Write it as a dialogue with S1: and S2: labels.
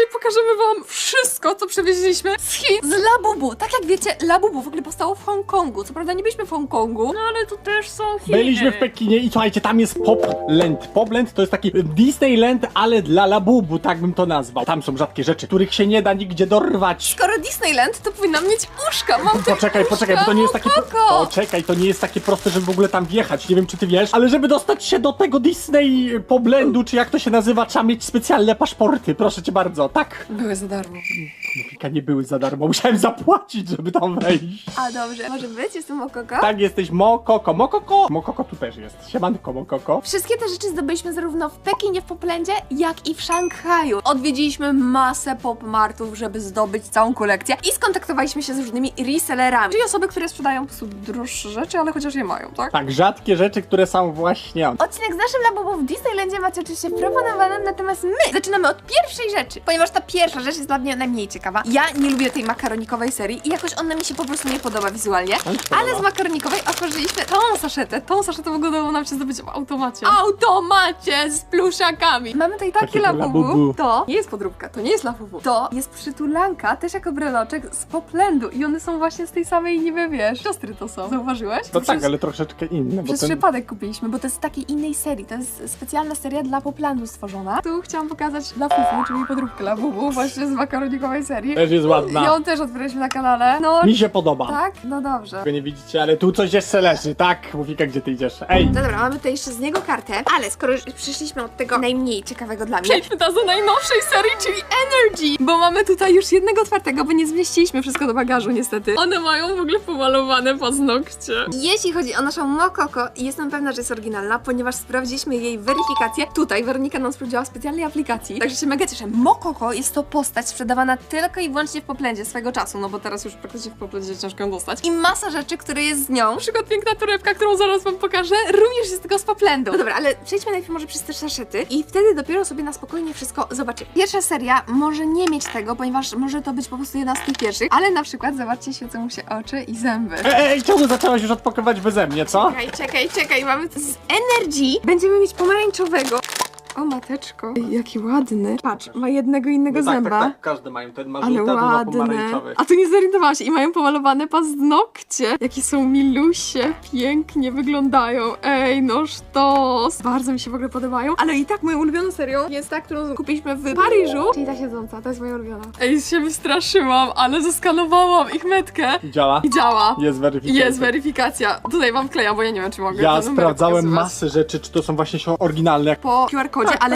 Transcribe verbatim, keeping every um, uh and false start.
S1: pokażemy wam wszystko, co przywieźliśmy z Chin, z Labubu. Tak jak wiecie, Labubu w ogóle powstało w Hongkongu. Co prawda nie byliśmy w Hongkongu, no ale to też są Chiny.
S2: Byliśmy w Pekinie i słuchajcie, tam jest Popland. Popland to jest taki Disneyland, ale dla Labubu, tak bym to nazwał. Tam są rzadkie rzeczy, których się nie da nigdzie dorwać.
S1: Skoro Disneyland, to powinnam mieć uszka. Mam tutaj
S2: Poczekaj,
S1: uszka,
S2: poczekaj, bo to nie jest takie...
S1: Mokoko.
S2: Poczekaj, to nie jest takie proste, żeby w ogóle tam wjechać. Nie wiem, czy ty wiesz, ale żeby dostać się do tego Disney Poplandu, czy jak to się nazywa, trzeba mieć specjalne paszporty. Proszę cię bardzo, tak?
S1: Były za darmo.
S2: Mofika, nie były za darmo, musiałem zapłacić, żeby tam wejść.
S1: A dobrze, może być? Jestem Mokoko?
S2: Tak, jesteś Mokoko. Mokoko? Mokoko tu też jest. Siemanko, Mokoko.
S1: Wszystkie te rzeczy zdobyliśmy zarówno w Pekinie, w Poplandzie, jak i w Szanghaju. Odwiedziliśmy masę pop-martów, żeby zdobyć całą kolekcję i skontaktowaliśmy się z różnymi resellerami, czyli osoby, które sprzedają po prostu droższe rzeczy, ale chociaż je mają, tak?
S2: Tak, rzadkie rzeczy, które są właśnie...
S1: Odcinek z naszym Labubu w Disneylandzie macie oczywiście proponowanym, natomiast my zaczynamy od pierwszej rzeczy, ponieważ ta pierwsza rzecz jest dla mnie najmniej ciekawa. Ja nie lubię tej makaronikowej serii i jakoś ona mi się po prostu nie podoba wizualnie, ale z makaronikowej otworzyliśmy tą saszetę. Tą saszetę w ogóle udało nam się zdobyć w automacie. Automacie z pluszakami. Mamy tutaj takie
S2: Takiego
S1: Labubu.
S2: Labubu.
S1: To nie jest podróbka, to nie jest Labubu. To jest przytulanka, też jako breloczek z Poplandu i one są właśnie z tej samej niby, wiesz, siostry to są. Zauważyłeś?
S2: To tak,
S1: Przez-
S2: ale troszeczkę inne, bo
S1: Przez
S2: ten...
S1: przypadek kupiliśmy, bo to jest z takiej innej serii. To jest specjalna seria dla Poplandu stworzona. Tu chciałam pokazać dla Fufu, czyli podróbkę dla Bubu, właśnie z makaronikowej serii.
S2: Też jest ładna.
S1: Ją też otworzyliśmy na kanale. No,
S2: Mi się podoba.
S1: tak? No dobrze.
S2: Tego nie widzicie, ale tu coś jeszcze leży, tak? Mofika, gdzie ty idziesz? Ej!
S1: No dobra, mamy tutaj jeszcze z niego kartę, ale skoro już przyszliśmy od tego najmniej ciekawego dla mnie, przejdźmy teraz do najnowszej serii, czyli Energy, bo mamy tutaj już jednego otwartego, bo nie zmieściliśmy wszystko do bagażu niestety. One mają w ogóle pomalowane paznokcie. Jeśli chodzi o naszą Mokoko, jestem pewna, że jest oryginalna, ponieważ sprawdziliśmy jej weryfikację. Tutaj Weronika nam sprawdziła w specjalnej aplikacji, także się mega cieszę. Mokoko jest to postać sprzedawana tylko i wyłącznie w Poplandzie swego czasu, no bo teraz już praktycznie w Poplandzie ciężko ją dostać. I masa rzeczy, które jest z nią. Na przykład piękna torebka, którą zaraz wam pokażę, również jest tego z Poplandu. No dobra, ale przejdźmy najpierw może przez te saszety i wtedy dopiero sobie na spokojnie wszystko zobaczymy. Pierwsza seria może nie mieć tego, ponieważ może to być po prostu jedna z tych pierwszych, ale na przykład zobaczcie, świecą mu się oczy i zęby.
S2: Ej, ej, czemu zaczęłaś już odpakować beze mnie, co?
S1: Czekaj, czekaj, czekaj, mamy to z Energy. Będziemy mieć pomarańczowego. O mateczko, Ej, jaki ładny. Patrz, ma jednego innego
S2: No tak,
S1: zęba.
S2: tak, tak, każdy mają, ten ma
S1: Ale
S2: żółte, ten ma
S1: ładne.
S2: pomarańczowy.
S1: A tu nie zorientowałam się i mają pomalowane paznokcie. Jakie są milusie, pięknie wyglądają. Ej, no sztos. Bardzo mi się w ogóle podobają. Ale i tak moją ulubioną serią jest ta, którą kupiliśmy w Paryżu. Czyli ta siedząca, to jest moja ulubiona. Ej, się wystraszyłam, ale zeskanowałam ich metkę.
S2: I działa?
S1: I działa.
S2: Jest weryfikacja.
S1: Jest weryfikacja. Tutaj wam wklejam, bo ja nie wiem, czy mogę
S2: Ja
S1: ten numerek
S2: sprawdzałem
S1: pokazywać.
S2: masę rzeczy, czy to są właśnie się oryginalne.
S1: Po Q R kodzie, ale